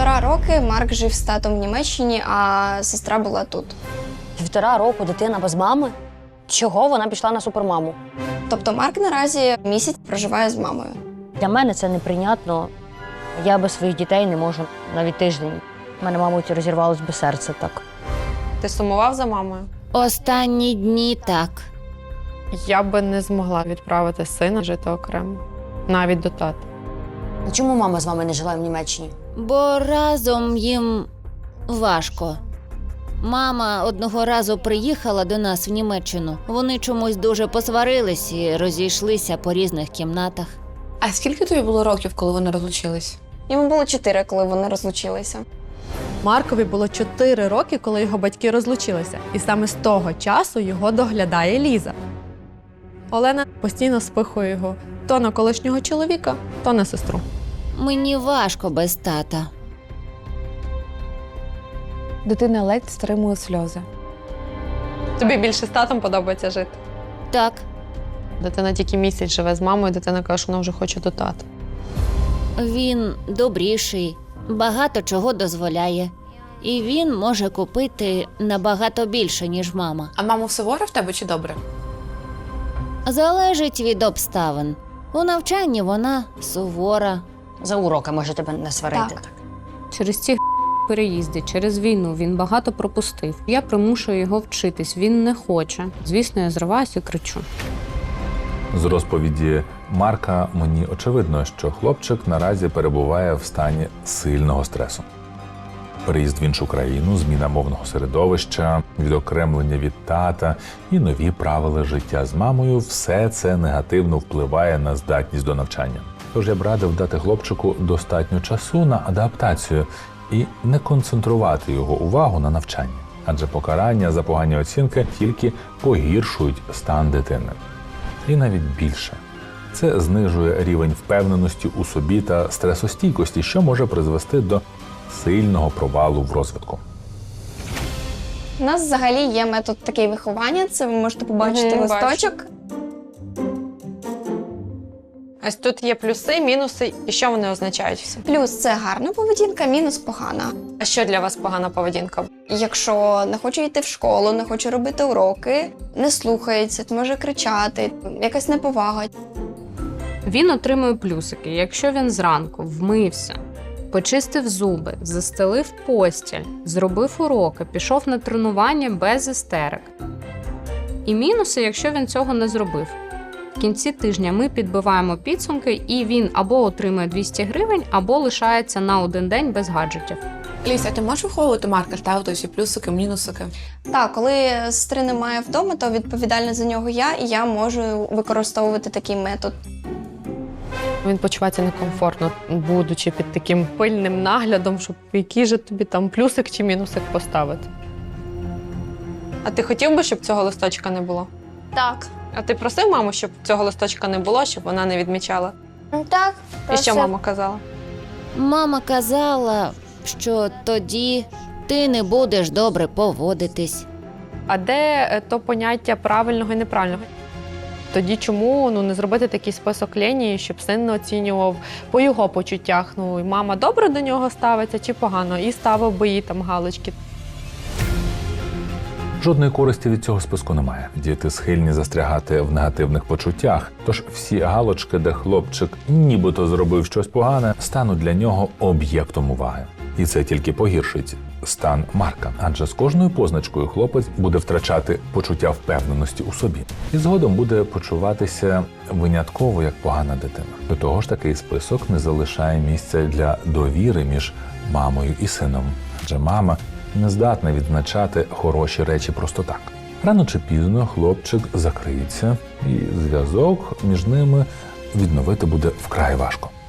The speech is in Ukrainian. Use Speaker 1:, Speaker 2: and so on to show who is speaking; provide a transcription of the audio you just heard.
Speaker 1: 1,5 роки Марк жив з татом в Німеччині, а сестра була тут.
Speaker 2: 1,5 року дитина без мами? Чого вона пішла на супермаму?
Speaker 1: Тобто Марк наразі місяць проживає з мамою.
Speaker 2: Для мене це неприйнятно. Я без своїх дітей не можу навіть тиждень. У мене, мабуть, розірвалось би серце так.
Speaker 3: Ти сумував за мамою?
Speaker 4: Останні дні так.
Speaker 3: Я би не змогла відправити сина жити окремо, навіть до тата.
Speaker 2: Чому мама з вами не жила в Німеччині?
Speaker 4: Бо разом їм важко. Мама одного разу приїхала до нас в Німеччину. Вони чомусь дуже посварились і розійшлися по різних кімнатах.
Speaker 5: А скільки тобі було років, коли вони розлучились?
Speaker 1: Йому було 4, коли вони розлучилися.
Speaker 6: Маркові було 4 роки, коли його батьки розлучилися. І саме з того часу його доглядає Ліза. Олена постійно спихує його то на колишнього чоловіка, то на сестру.
Speaker 4: Мені важко без тата.
Speaker 5: Дитина ледь стримує сльози.
Speaker 3: Тобі більше з татом подобається жити?
Speaker 4: Так,
Speaker 3: Дитина тільки місяць живе з мамою, дитина каже, що вона вже хоче до тата.
Speaker 4: він добріший, багато чого дозволяє. І він може купити набагато більше, ніж мама.
Speaker 5: А мама суворо в тебе чи добре?
Speaker 4: Залежить від обставин. У навчанні вона сувора.
Speaker 2: За уроки може тебе не сварити.
Speaker 1: Так.
Speaker 7: Через ці переїзди, через війну він багато пропустив. Я примушую його вчитись, він не хоче. Звісно, я зриваюся і кричу.
Speaker 8: З розповіді Марка мені очевидно, що хлопчик наразі перебуває в стані сильного стресу. Переїзд в іншу країну, зміна мовного середовища, відокремлення від тата і нові правила життя з мамою – все це негативно впливає на здатність до навчання. Тож я б радив дати хлопчику достатньо часу на адаптацію і не концентрувати його увагу на навчанні. Адже покарання за погані оцінки тільки погіршують стан дитини. І навіть більше. Це знижує рівень впевненості у собі та стресостійкості, що може призвести до сильного провалу в розвитку.
Speaker 1: У нас взагалі є метод такий виховання, це ви можете побачити листочок.
Speaker 3: Ось тут є плюси, мінуси, і що вони означають всі?
Speaker 1: Плюс це гарна поведінка, мінус погана.
Speaker 3: А що для вас погана поведінка?
Speaker 1: Якщо не хоче йти в школу, не хоче робити уроки, не слухається, може кричати, якась неповага.
Speaker 7: Він отримує плюсики, якщо він зранку вмився, почистив зуби, застелив постіль, зробив уроки, пішов на тренування без істерик. І мінуси, якщо він цього не зробив. В кінці тижня ми підбиваємо підсумки, і він або отримує 200 гривень, або лишається на один день без гаджетів.
Speaker 5: Ліся, ти можеш виховувати Марка, ставити всі плюсики, мінусики?
Speaker 1: Так, коли сестри немає вдома, то відповідальна за нього я, і я можу використовувати такий метод.
Speaker 3: Він почувається некомфортно, будучи під таким пильним наглядом, щоб який же тобі там плюсик чи мінусик поставити. А ти хотів би, щоб цього листочка не було?
Speaker 1: Так.
Speaker 3: А ти просив маму, щоб цього листочка не було, щоб вона не відмічала?
Speaker 1: Так.
Speaker 3: І що мама казала?
Speaker 4: Мама казала, що тоді ти не будеш добре поводитись.
Speaker 3: А де то поняття правильного і неправильного? Тоді чому не зробити такий список лінії, щоб син не оцінював по його почуттях? І мама добре до нього ставиться чи погано? І ставив би їй там галочки.
Speaker 8: Жодної користі від цього списку немає. Діти схильні застрягати в негативних почуттях, тож всі галочки, де хлопчик нібито зробив щось погане, стануть для нього об'єктом уваги. І це тільки погіршить стан Марка, адже з кожною позначкою хлопець буде втрачати почуття впевненості у собі. І згодом буде почуватися винятково як погана дитина. До того ж, такий список не залишає місця для довіри між мамою і сином, адже мама не здатна відзначати хороші речі просто так. Рано чи пізно хлопчик закриється, і зв'язок між ними відновити буде вкрай важко.